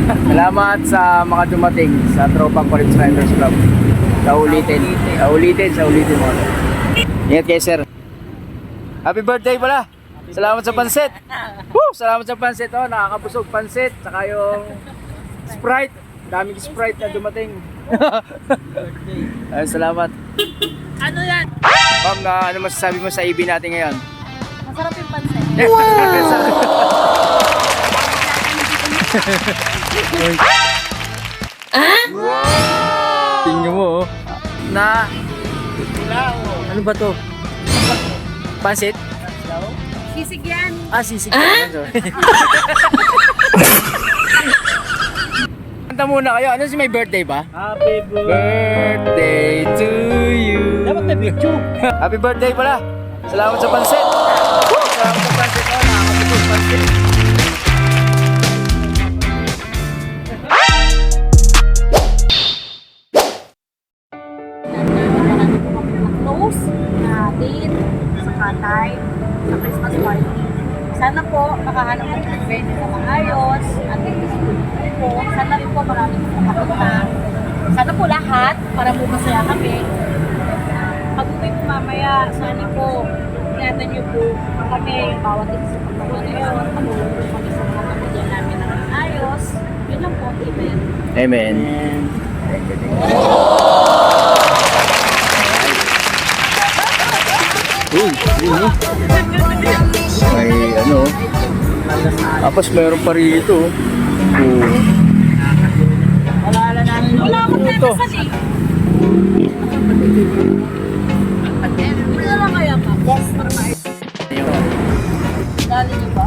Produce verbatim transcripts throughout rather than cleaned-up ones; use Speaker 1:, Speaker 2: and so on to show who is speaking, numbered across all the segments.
Speaker 1: Salamat sa mga dumating sa Tropang College Riders Club. Sa ulitin. Sa ulitin, sa ulitin mo. Ingat kayo, sir. Happy birthday pala. Salamat sa pansit. Woo! Salamat sa pansit. Oh, nakakabusog pansit. Saka yung Sprite. Daming Sprite na dumating. Ay, salamat.
Speaker 2: Ano yan?
Speaker 1: Ma'am, na ano masasabi mo sa I B natin ngayon?
Speaker 2: Masarap yung pansit.
Speaker 1: Tingnan mo, oh. Na ano ba to? Pansit?
Speaker 2: Sisig yan.
Speaker 1: Ah, sisig. Ah? Kanta muna kayo. Ano si may birthday ba?
Speaker 3: Happy
Speaker 1: Birthday to you.
Speaker 3: Dapat may picture.
Speaker 1: Happy birthday pala. Salamat sa pansit. Woo! Salamat sa pansit. Oh, nakakabusog pansit.
Speaker 2: Close natin sa katay sa Christmas party. Sana po makahanap ng event na maayos at po. Sana rin po maraming makapunta. Sana po lahat para po masaya kami. Pag-uwi po mamaya, sana po ingatan niyo po kami bawat isa sa pagkawa na yun. Tumulong po kami sa mga pamilya namin na maayos. Yun lang po. Amen.
Speaker 1: Amen. Uy, yun eh. May ano. Tapos mayroon pa rito. Oh.
Speaker 2: Wala namin. Wala akong
Speaker 1: Ito.
Speaker 2: nanasan eh. Wala lang kaya pa. Yes, para maayos. Dali niyo ba?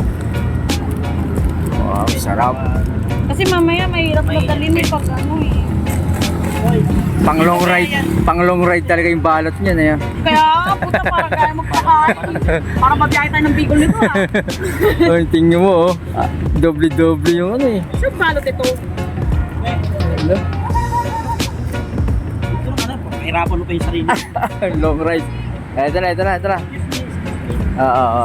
Speaker 1: Wow, sarap.
Speaker 2: Kasi mamaya mahirap magdalhin eh pag ano eh.
Speaker 1: Pang long ride, pang long ride talaga yung balot niya na yan.
Speaker 2: Kaya nga, puta, para kaya magpakain. Para magbiyahe tayo ng Bicol nito ha.
Speaker 1: Ay, tingnan mo oh. Ah, doble-doble yung ano eh.
Speaker 2: Saan balot ito?
Speaker 1: Ano?
Speaker 3: Mahirapan mo pa yung sarili.
Speaker 1: Long ride. Eh, ito na, ito na, ito na. Oo, oo.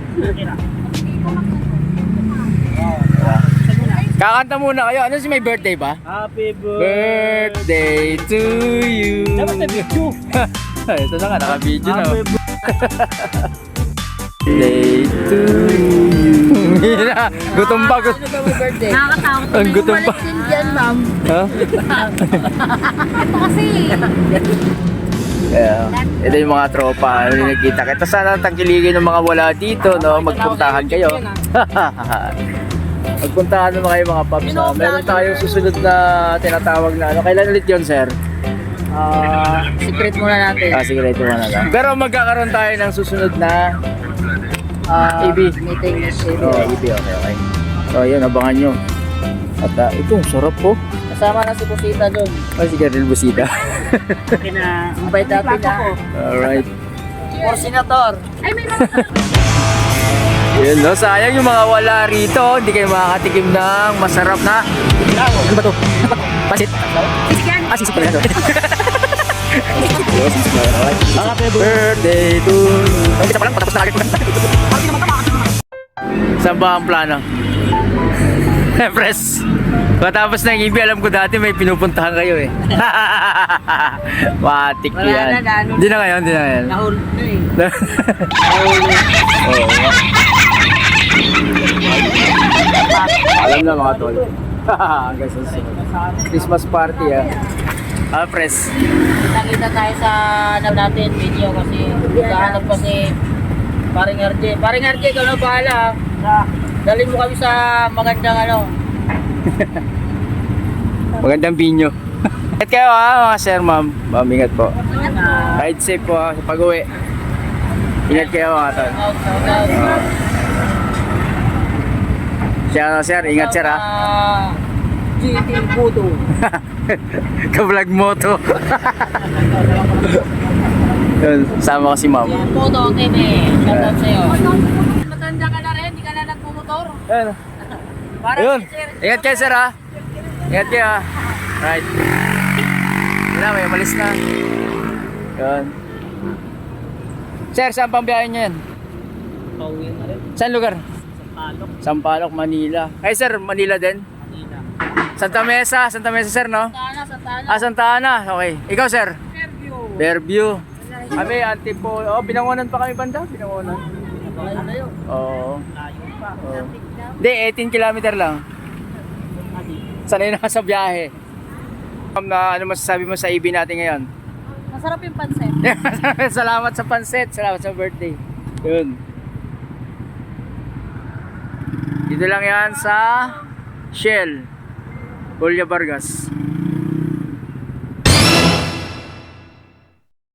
Speaker 1: Kakanta muna kayo. Ano si may birthday ba?
Speaker 3: Happy birthday.
Speaker 1: Birthday to you.
Speaker 3: Dapat may picture.
Speaker 1: Ito na nga, naka-video na.
Speaker 3: Happy
Speaker 1: oh. Birthday to you. Hira, gutom pa. Gutom.
Speaker 2: Nakakatakot.
Speaker 1: Ang gutom pa.
Speaker 2: din dyan, ma'am.
Speaker 1: Ha?
Speaker 2: Ito kasi.
Speaker 1: Yeah. Ito yung mga tropa. Ano yung nagkita. Kaya sana tangkiligin ng mga wala dito, no? Magpuntahan kayo. Magpuntahan naman kayo mga paps. Uh, meron tayong susunod na tinatawag na ano. Kailan ulit yun, sir?
Speaker 2: Ah, secret muna natin.
Speaker 1: Ah, sige, ito muna lang. Pero magkakaroon tayo ng susunod na
Speaker 2: Ah,
Speaker 1: A B.
Speaker 2: meeting with A B.
Speaker 1: Oh, A B, okay, okay. So, yun, abangan nyo. At uh, ito, sarap po.
Speaker 2: Kasama na si Busita doon.
Speaker 1: Ay, si Kernel Busita.
Speaker 3: Okay na.
Speaker 2: Mabait natin na.
Speaker 1: Alright.
Speaker 2: For senator. Ay, may mga
Speaker 1: Yun, no? Sayang yung mga wala rito. Hindi kayo makakatikim ng masarap na... Ano ba to? Pasit?
Speaker 2: Yan.
Speaker 1: Ah, sisip pala ito. Happy birthday to you. Ang isa pa lang, patapos na agad ko. Saan ba ang plano? Pres, matapos ng I B, alam ko dati may pinupuntahan kayo eh. Matik
Speaker 2: Wala
Speaker 1: yan.
Speaker 2: na, ano.
Speaker 1: Hindi na ngayon, hindi na ngayon.
Speaker 2: Nahulog na eh.
Speaker 1: Oo. Alam na mga tol. Hanggang sa susunod. Christmas party ah. Ah, Pres.
Speaker 2: Nakita tayo sa ano natin, video kasi naghahanap kasi paring R J. Paring R J, ikaw na bahala. Dalhin mo kami sa magandang ano.
Speaker 1: Magandang binyo. Ingat kayo ha mga sir, ma'am. Ma'am, ingat po. Ride safe po ha sa pag-uwi. Ingat kayo mga tol.
Speaker 2: Out, out, out.
Speaker 1: Siya sir, ingat sir ha.
Speaker 2: Ah, G T Budo.
Speaker 1: Ka-vlog moto. Yun, sama ko si ma'am.
Speaker 2: Yan, Budo T V. Shout out sa'yo. Matanda ka na rin, hindi ka na nagmumotor.
Speaker 1: Ayun.
Speaker 2: Para
Speaker 1: Ayun.
Speaker 2: si sir.
Speaker 1: Ingat kayo sir ha. Ingat kayo ha. Right. Yun na, may umalis na. Yun. Sir, saan pang biyahe niyo yan?
Speaker 3: Pauwi na rin.
Speaker 1: Saan lugar?
Speaker 3: Palok.
Speaker 1: Sampaloc, Manila. Ay sir, Manila din?
Speaker 3: Manila.
Speaker 1: Santa Mesa, Santa Mesa sir, no?
Speaker 2: Santana, Santana.
Speaker 1: Ah, Santa Ana. Okay. Ikaw sir?
Speaker 2: Fairview.
Speaker 1: Fairview. Kami, Antipo. Oh, binangonan pa kami banda. Binangonan.
Speaker 3: Ano yun?
Speaker 1: Oo.
Speaker 3: Layo pa.
Speaker 1: Oo. Hindi, eighteen kilometer lang. Sanay na ka sa biyahe. Um, na, ano masasabi mo sa I B natin ngayon?
Speaker 2: Masarap yung pansit.
Speaker 1: Salamat sa pansit. Salamat sa birthday. Yun. Dito lang yan sa Shell. Julia Vargas.